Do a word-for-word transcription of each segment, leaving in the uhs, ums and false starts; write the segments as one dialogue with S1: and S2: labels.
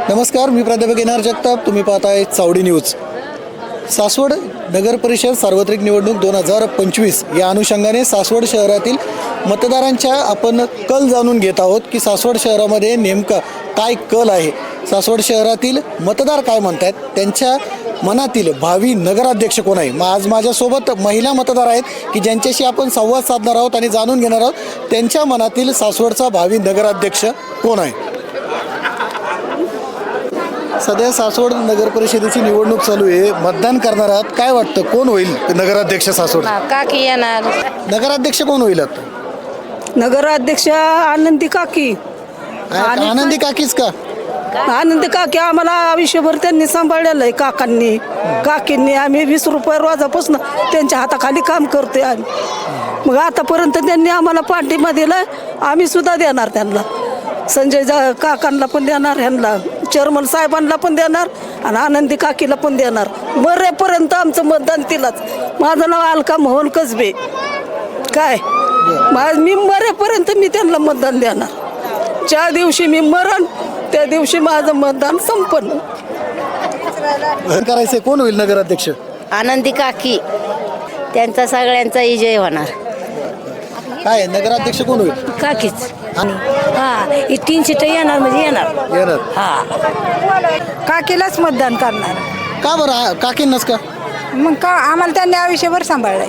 S1: नमस्कार, मी प्राध्यापक एनार जगताप. तुम्ही पाहताय चावडी न्यूज. सासवड नगर परिषद सार्वत्रिक निवडणूक दोन हजार पंचवीस या अनुषंगाने सासवड शहरातील मतदारांच्या आपण कल जाणून घेत आहोत की सासवड शहरामध्ये नेमका काय कल आहे, सासवड शहरातील मतदार काय म्हणतात, त्यांच्या मनातील भावी नगराध्यक्ष कोण आहे. मग आज माझ्यासोबत महिला मतदार आहेत की ज्यांच्याशी आपण संवाद साधणार आहोत आणि जाणून घेणार आहोत त्यांच्या मनातील सासवडचा भावी नगराध्यक्ष कोण आहे. सध्या सासवड नगर परिषदेची निवडणूक चालू आहे, मतदान करणार आहात. काय वाटतं कोण होईल नगराध्यक्ष सासवड?
S2: काकी येणार.
S1: नगराध्यक्ष कोण होईल आता?
S3: नगराध्यक्ष आनंदी काकी.
S1: आनंदी काकीच का?
S3: आनंदी काकी आम्हाला आयुष्यभर त्यांनी सांभाळलेलं आहे. काकांनी काकींनी आम्ही वीस रुपये रोजापासून त्यांच्या हाताखाली काम करतोय आम्ही. मग आतापर्यंत त्यांनी आम्हाला पाठिंबा दिला, आम्ही सुद्धा देणार त्यांना. संजय जा काकांना पण देणार, ह्यांना चेअरमन साहेबांना पण देणार आणि आनंदी काकीला पण देणार. मरेपर्यंत आमचं मतदान तिलाच. माझं नाव अलका मोहन कसबे. काय मी मरेपर्यंत मी त्यांना मतदान देणार. ज्या दिवशी मी मरण त्या दिवशी माझं मतदान संपन्न
S1: करायचंय. कोण होईल नगराध्यक्ष?
S2: आनंदी काकी, त्यांचा सगळ्यांचा विजय होणार.
S1: काय नगराध्यक्ष कोण होईल?
S2: काकीच. हा तीन सीट येणार म्हणजे येणार
S1: येणार.
S2: हा
S3: काकीलाच मतदान करणार.
S1: का बरं काकींनाच का?
S3: मग का आम्हाला त्यांनी आयुष्यभर सांभाळलंय.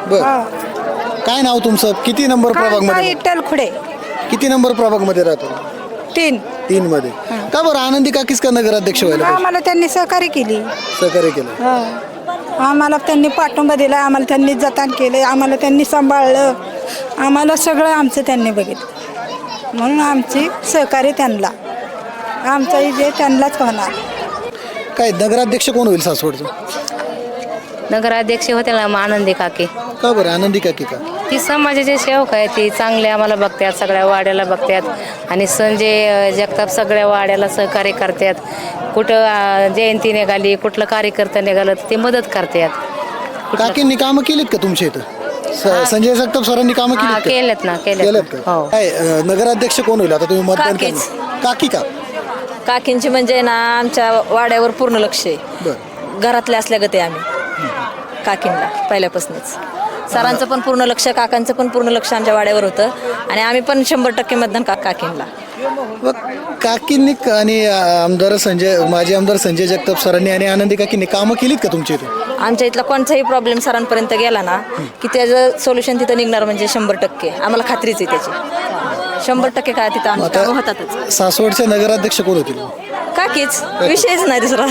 S1: बर, काय नाव तुमचं? किती नंबर प्रभाग मध्ये?
S3: इट्टल खुडे.
S1: किती नंबर प्रभाग मध्ये राहतो?
S3: तीन.
S1: तीन मध्ये. का बरं आनंदी काकीच का नगराध्यक्ष व्हायला पाहिजे?
S3: आम्हाला त्यांनी सहकार्य केली.
S1: सहकार्य केलं.
S3: आम्हाला त्यांनी पाठिंबा दिला, आम्हाला त्यांनी जतन केले, आम्हाला त्यांनी सांभाळलं, आम्हाला सगळं आमचं त्यांनी बघितलं. म्हणून आमची सहकार्य त्यांना, आमचा विजय त्यांनाच होणार.
S1: काय नगराध्यक्ष कोण होईल सासवडचं?
S2: नगराध्यक्ष होते ना आनंदी काकी.
S1: का बरं आनंदी काकी का?
S2: ती समाजाचे सेवक आहे, ती चांगले आम्हाला बघतात, सगळ्या वाड्याला बघतात आणि संजय जगताप सगळ्या वाड्याला सहकार्य करतात. कुठं जयंती निघाली, कुठलं कार्यकर्ता निघालं ते मदत करतात.
S1: काकींनी कामं केलीत का तुमच्या इथं? स- संजय जगताप सरांनी कामं
S2: हा
S1: केलीत का?
S2: केलेत ना,
S1: केलेत
S2: केलेत
S1: का?
S2: हो.
S1: काय अं, नगराध्यक्ष कोण होईल आता तुम्ही मतदान
S4: काकीच.
S1: करणार? काकी का?
S4: काकींची म्हणजे ना आमच्या वाड्यावर पूर्ण लक्ष आहे.
S1: बर.
S4: घरातले असल्यागत आहे आम्ही काकींना पहिल्यापासूनच. सरांचं पण पूर्ण लक्ष, काकांचं पण पूर्ण लक्ष आमच्या वाड्यावर होतं आणि आम्ही पण शंभर टक्के मतदान का काकींना.
S1: मग काकींनी क- आणि अं, आमदार संजय माजी आमदार संजय जगताप सरांनी आणि आनंदी काकींनी कामं केलीत का तुमच्या इथं?
S4: आमच्या इथला कोणताही प्रॉब्लेम सरांपर्यंत गेला ना की त्याचं सोल्युशन तिथं निघणार म्हणजे शंभर टक्के आम्हाला खात्रीच आहे त्याची. शंभर टक्के काय तिथं आमची कामं होतातच.
S1: आता सासवडचे नगराध्यक्ष कोण होतील?
S4: काकीच, विषयच नाही दुसरा.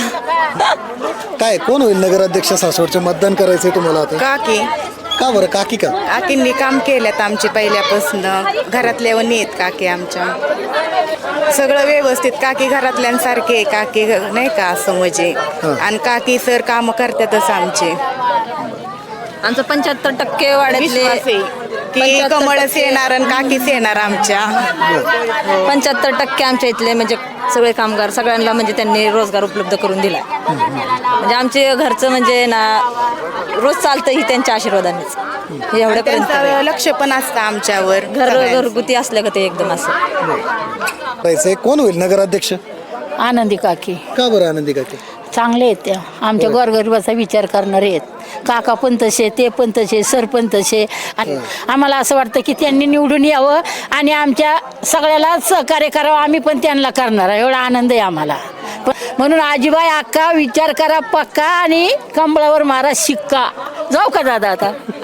S1: काय कोण होईल नगराध्यक्ष सासवडचे? मतदान करायचंय तुम्हाला आता?
S5: काकी
S1: का बरं काकी का?
S5: काकींनी काम केल्यात आमचे पहिल्यापासून. घरातल्या वणी आहेत काकी आमच्या. सगळं व्यवस्थित, काकी घरातल्यांसारखे काकी नाही का असं म्हणजे. आणि काकी सर काम करतातच आमचे.
S4: आमचं पंच्याहत्तर टक्के वाड्यातले
S5: विश्वास आहे की कमळच येणार आणि काकीच येणार आमच्या.
S4: पंच्याहत्तर टक्के आमच्या इथले म्हणजे सगळे कामगार सगळ्यांना म्हणजे त्यांनी रोजगार उपलब्ध करून दिला. म्हणजे आमचे घरचं म्हणजे ना रोज चालतं ही त्यांच्या आशीर्वादानेच. एवढ्यापर्यंत
S5: त्यांचं लक्ष पण असतं आमच्यावर.
S4: घर घरगुती असल्या का ते एकदम असं.
S1: करायचंय. कोण होईल नगराध्यक्ष?
S6: आनंदी काकी.
S1: का बरं आनंदी काकी?
S6: चांगले आहेत त्या, आमच्या गोरगरिबाचा विचार करणारे आहेत. काका पण तसे, ते पण तसे, सर पण तसे. आणि आम्हाला असं वाटतं की त्यांनी निवडून यावं आणि आमच्या सगळ्याला सहकार्य करावं. आम्ही पण त्यांना करणार एवढा आनंद आहे आम्हाला. पण म्हणून आजीबाई अक्का विचार करा पक्का आणि कंबळावर मारा शिक्का. जाऊ का दादा आता?